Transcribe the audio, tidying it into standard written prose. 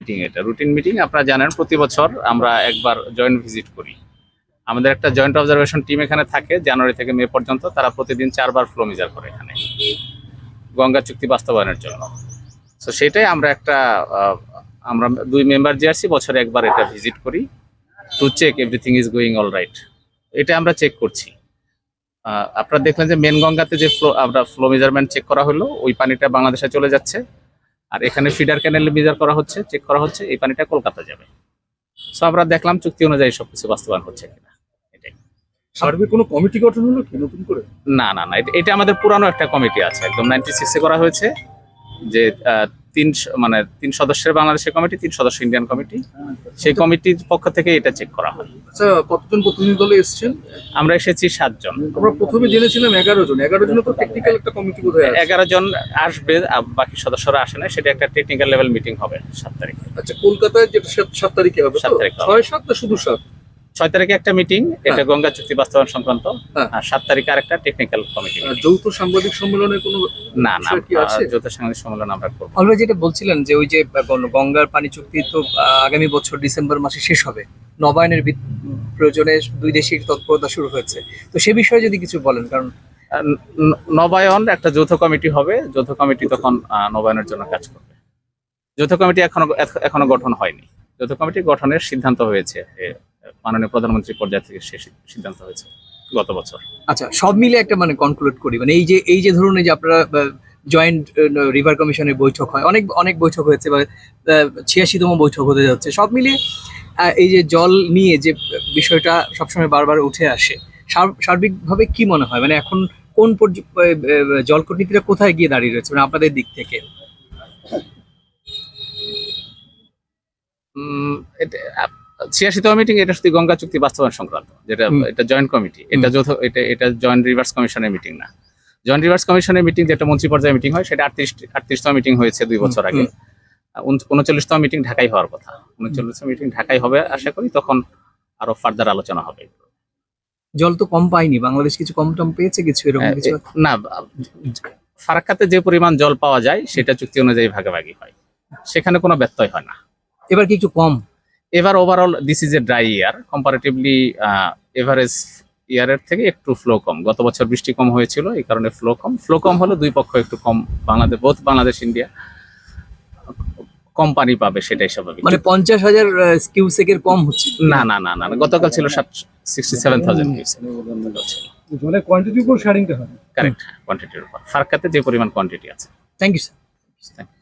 Meeting, এটা routine meeting. আপনারা জানেন প্রতি বছর আমরা একবার জয়েন্ট ভিজিট করি। আমাদের একটা জয়েন্ট অবজারভেশন টিম এখানে থাকে জানুয়ারি থেকে মে পর্যন্ত। তারা প্রতিদিন 4বার ফ্লো মেজার করে এখানে গঙ্গা চুক্তি বাস্তবায়নের জন্য। তো সেটাই আমরা আমরা 2 মেম্বার যে আছি বছরে একবার এটা ভিজিট করি to check everything is going all right. এটা আমরা চেক করছি। আপনারা দেখলেন যে মেন গঙ্গাতে যে ফ্লো মেজারমেন্ট চেক করা হলো, ওই পানিটা বাংলাদেশে চলে যাচ্ছে। আর এখানে ফিডার ক্যানেলে মেজার করা হচ্ছে, চেক করা হচ্ছে, এই পানিটা কলকাতা যাবে। সো আমরা দেখলাম চুক্তি অনুযায়ী সবকিছু বাস্তবায়ন হচ্ছে কিনা। এটাই। সার্ভে কোনো কমিটি গঠন হলো কি নতুন করে? না, এটা আমাদের পুরানো একটা কমিটি আছে, একদম 96-এ করা হয়েছে। যে 3 সদস্যের বাংলাদেশের কমিটি, 3 সদস্য ইন্ডিয়ান কমিটি। সেই কমিটির পক্ষ থেকে এটা চেক করা হয়। আচ্ছা, কতজন প্রতিনিধি দলে এসেছেন? আমরা এসেছি 7 জন। আমরা প্রথমে জেনেছিলাম 11 জন। 11 জন তো টেকনিক্যাল একটা কমিটি বোধহয় আছে। 11 জন আসবে, বাকি সদস্যরা আসে না। সেটা একটা টেকনিক্যাল লেভেল মিটিং হবে 7 তারিখে। আচ্ছা, কলকাতায় যেটা 7 তারিখে হবে, 7 তারিখে হবে। 6-7 না শুধু 7? 6 তারিখে একটা মিটিং, এটা গঙ্গা চুক্তি বাস্তবায়ন সংক্রান্ত। হ্যাঁ। আর 7 তারিখে আরেকটা টেকনিক্যাল কমিটি। যৌথ সাংবাদিক সম্মেলনে কোনো না, বিষয় কি আছে? যৌথ সাংবাদিক সম্মেলন আমরা করব। অলরেডি যেটা বলছিলেন যে ওই যে গঙ্গার পানি চুক্তি তো আগামী বছর ডিসেম্বর মাসে শেষ হবে, নবায়নের প্রয়োজনে দুই দেশের তৎপরতা শুরু হয়েছে। তো সে বিষয়ে যদি কিছু বলেন, কারণ নবায়ন একটা যৌথ কমিটি হবে, যৌথ কমিটি তখন নবায়নের জন্য কাজ করবে। যৌথ কমিটি এখনো গঠন হয়নি। যৌথ কমিটি গঠনের সিদ্ধান্ত হয়েছে, মাননীয় প্রধানমন্ত্রী পর্যায় থেকে সে সিদ্ধান্ত হয়েছে গত বছর। আচ্ছা, সব মিলে একটা কনক্লুড করি, এই যে ধরুন এই যে আপনারা জয়েন্ট রিভার কমিশনের বৈঠক হয়, অনেক বৈঠক হয়েছে, বা 86তম বৈঠক হতে যাচ্ছে। সব মিলিয়ে এই যে জল নিয়ে যে বিষয়টা সবসময় বারবার উঠে আসে, সার্বিকভাবে কি মনে হয়, এখন কোন জল কূটনীতিটা কোথায় গিয়ে দাঁড়িয়ে রয়েছে আপনাদের দিক থেকে? 86তম মিটিং, এটা শুধু গঙ্গা চুক্তি বাস্তবায়ন সংক্রান্ত, যেটা এটা জয়েন্ট কমিটি, এটা যৌথ, এটা জয়েন্ট রিভার্স কমিশনের মিটিং না। জয়েন্ট রিভার্স কমিশনের মিটিং যেটা মন্ত্রী পর্যায়ে মিটিং হয়, সেটা 38তম মিটিং হয়েছে 2 বছর আগে। 39তম মিটিং ঢাকায় হওয়ার কথা। 39তম মিটিং ঢাকায় হবে আশা করি, তখন আরো ফার্দার আলোচনা হবে। জল তো কম পাইনি, বাংলাদেশ কিছু কম টম পেয়েছে, কিছু এরকম কিছু না। ফারাক্কাতে যে পরিমাণ জল পাওয়া যায় সেটা চুক্তি অনুযায়ী ভাগাভাগি হয়, সেখানে কোনো ব্যত্যয় হয় না। এবার কি একটু কম? এবার overall this is a dry year, comparatively average ইয়ারের থেকে একটু ফ্লো কম। গত বছর বৃষ্টি কম হয়েছিল, এই কারণে ফ্লো কম হলো। দুই পক্ষ একটু কম, বাংলাদেশ ইন্ডিয়া কম পানি পাবে, সেটাই স্বাভাবিক। 50,000 কিউসেকের কম হচ্ছে? না, গতকাল ছিল 67,000 কিউসেক। জলের কোয়ান্টিটির উপর শেয়ারিংটা হয়। কারেক্ট, কোয়ান্টিটির উপর। ফারাক্কাতে যে পরিমাণ কোয়ান্টিটি আছে। Thank you sir.